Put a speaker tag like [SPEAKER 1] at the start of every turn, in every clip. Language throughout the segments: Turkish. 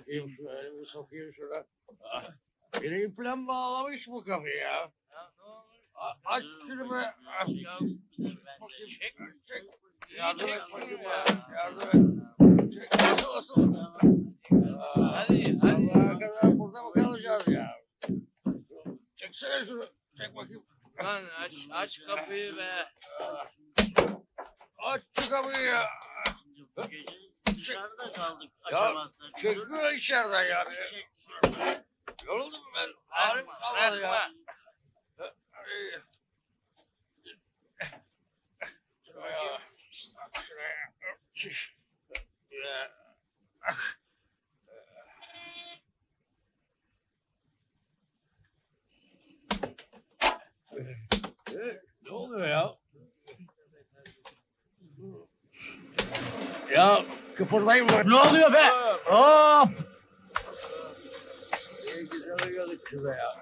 [SPEAKER 1] bakayım şu elimi sokayım şuna. Ah, yine iple mi bağlamış bu kapıyı ya?
[SPEAKER 2] Ya ne olmuş?
[SPEAKER 1] Aç şunu be. Ah,
[SPEAKER 2] Ya
[SPEAKER 1] bakayım.
[SPEAKER 2] çek.
[SPEAKER 1] Çek.
[SPEAKER 2] İyi
[SPEAKER 1] Yardım
[SPEAKER 2] çek
[SPEAKER 1] et
[SPEAKER 2] şunu
[SPEAKER 1] bakayım
[SPEAKER 2] ya.
[SPEAKER 1] ya. Yardım et. Çek. Nasıl?
[SPEAKER 2] Hadi.
[SPEAKER 1] Allah'a kadar burada mı kalacağız ya? Çeksene şunu. Çek bakayım.
[SPEAKER 2] Lan aç kapıyı be.
[SPEAKER 1] Aç şu kapıyı ya.
[SPEAKER 3] Bu gece dışarıda kaldık
[SPEAKER 1] Ya,
[SPEAKER 3] açamazsak.
[SPEAKER 1] Çekmiyor içeriden yani.
[SPEAKER 3] Çek.
[SPEAKER 1] Yoruldum ben. Ağrım kalmadı ya.
[SPEAKER 2] Bırakma.
[SPEAKER 1] Ay. Şuraya. Bak şuraya. Şiş. Ya. Ne oluyor ya? Ya kıpırdayım mı?
[SPEAKER 4] Ne oluyor be? Hop!
[SPEAKER 1] Güzel uyuyorduk şurada ya.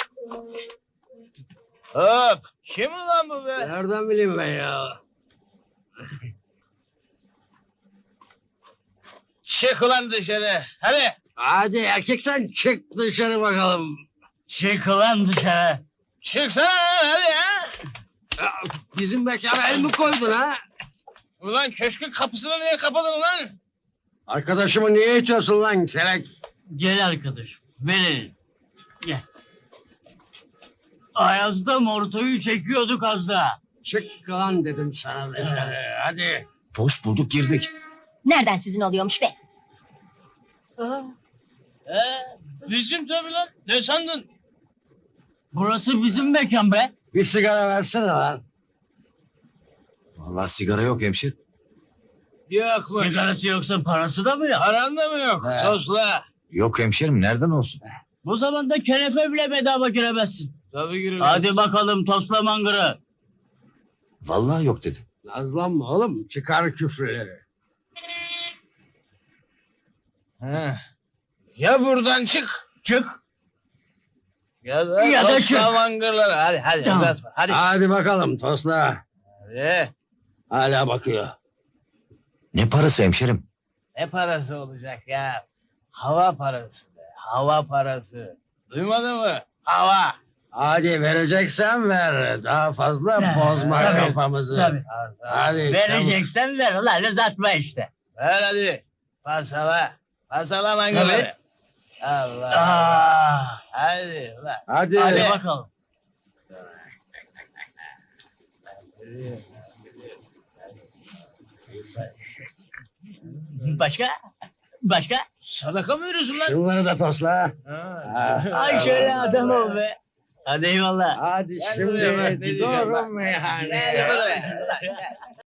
[SPEAKER 2] Hop. Kim ulan bu be?
[SPEAKER 1] Nereden bileyim ben ya?
[SPEAKER 2] Çık ulan dışarı. Hadi.
[SPEAKER 1] Hadi erkek sen çık dışarı bakalım.
[SPEAKER 4] Çık lan dışarı.
[SPEAKER 2] Çıksana hadi ya.
[SPEAKER 1] Ya, bizim mekana el mi koydun ha?
[SPEAKER 2] Ulan köşkün kapısını niye kapadın lan?
[SPEAKER 1] Arkadaşımı niye içiyorsun lan kelek?
[SPEAKER 4] Gel arkadaş. Verelim. Gel. Ayaz'da mortoyu çekiyorduk az daha.
[SPEAKER 1] Çık lan dedim sana dışarı. Hadi.
[SPEAKER 5] Boş bulduk girdik.
[SPEAKER 6] Nereden sizin oluyormuş be?
[SPEAKER 2] Bizim tabii lan. Ne sandın?
[SPEAKER 4] Burası bizim mekan be.
[SPEAKER 1] Bir sigara versene lan.
[SPEAKER 5] Vallahi sigara yok hemşir.
[SPEAKER 2] Yokmuş.
[SPEAKER 4] Sigarası yoksa parası da mı yok?
[SPEAKER 2] Paran da mı yok?
[SPEAKER 1] He.
[SPEAKER 2] Tosla.
[SPEAKER 5] Yok hemşerim nereden olsun?
[SPEAKER 4] Bu zamanda kenefe bile bedava giremezsin.
[SPEAKER 2] Tabii girelim.
[SPEAKER 4] Hadi bakalım tosla mangırı.
[SPEAKER 5] Vallahi yok dedim.
[SPEAKER 1] Nazlanma oğlum. Çıkar küfürleri.
[SPEAKER 2] He. Ya buradan çık.
[SPEAKER 4] Çık.
[SPEAKER 2] Ya da
[SPEAKER 4] çık.
[SPEAKER 2] tosla mangırları. Hadi
[SPEAKER 4] Tamam.
[SPEAKER 2] uzatma. Hadi.
[SPEAKER 1] Hadi bakalım tosla.
[SPEAKER 2] Hadi.
[SPEAKER 1] Hala bakıyor.
[SPEAKER 5] Ne parası hemşerim?
[SPEAKER 2] Ne parası olacak ya? Hava parası be. Hava parası. Duymadın mı? Hava.
[SPEAKER 1] Hadi vereceksen ver. Daha fazla bozma
[SPEAKER 4] tabii,
[SPEAKER 1] kafamızı.
[SPEAKER 4] Tabii.
[SPEAKER 1] Hadi çabuk.
[SPEAKER 4] Vereceksen ver ulan uzatma işte.
[SPEAKER 2] Ver hadi. Pasala. Pasala mangırları. Allah.
[SPEAKER 4] Aa,
[SPEAKER 2] Hadi ulan.
[SPEAKER 1] Hadi.
[SPEAKER 4] hadi bakalım. Başka? Başka?
[SPEAKER 2] Sadaka mı veriyorsun lan?
[SPEAKER 1] Şunları da tosla.
[SPEAKER 2] Ha.
[SPEAKER 4] Ay şöyle adam ol be. Hadi eyvallah.
[SPEAKER 1] Hadi
[SPEAKER 2] Gel buraya bak, ne
[SPEAKER 1] şimdi
[SPEAKER 2] diyeceğim bak.
[SPEAKER 1] doğru meyhaneye.
[SPEAKER 2] Gel buraya.